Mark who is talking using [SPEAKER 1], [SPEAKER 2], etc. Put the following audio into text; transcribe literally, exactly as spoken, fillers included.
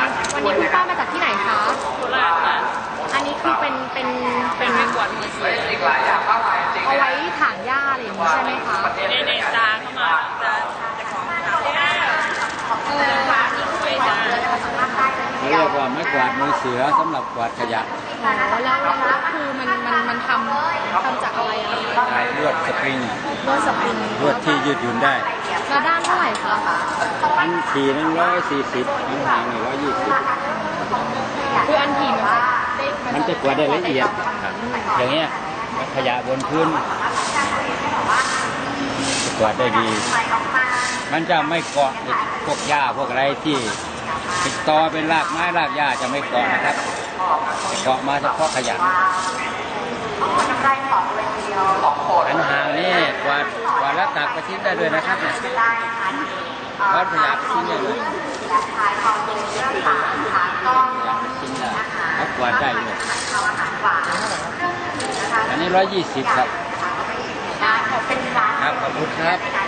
[SPEAKER 1] วันนี้คุณป้ามาจากที่ไหนคะ
[SPEAKER 2] โคราชค่ะ
[SPEAKER 1] อันนี้คือเป็นเป็น
[SPEAKER 2] เป็นไม้กวาดมือเสีย
[SPEAKER 1] เอาไว้ถางหญ้าอะไรอย่างนี้ใช่ไหมคะ
[SPEAKER 2] เนเนตาเข้ามาจะจะของเขาเออพาที่คุยจ้า
[SPEAKER 3] เรียกว่าไม้กวาดมือเสือสำหรับกวาดขยะ
[SPEAKER 1] อ๋อแล้วแล้วคือมันมันมันทำทำจากอะไรอะ
[SPEAKER 3] ได้ลวดสปริง
[SPEAKER 1] ลวดสปริง
[SPEAKER 3] ลวดที่ยืดหยุ่นได้
[SPEAKER 1] แล้วด้านเท่าไหร่คะ
[SPEAKER 3] อันทีนึงร้อยสี่สิบอันหางหนึ่งร้อยยี่สิบ
[SPEAKER 1] คืออันทีมัน
[SPEAKER 3] มันจะกวาดได้ละเอียดอย่างเงี้ยขยะบนพื้นจะกวาดได้ดีมันจะไม่เกาะพวกหญ้าพวกอะไรที่ติดต่อเป็นรากไม้รากหญ้าจะไม่เกาะนะครับเกาะมาเฉพาะขยะอันห่างนี่กวาดกวาดแล้วตักไปทิ้งได้ด้วยนะครับเนี่ยกวาดขยะไปทิ้งได้เลยแล้วกวาดได้เลยอันนี้ร้อยยี่สิบครับครับขอบคุณครับ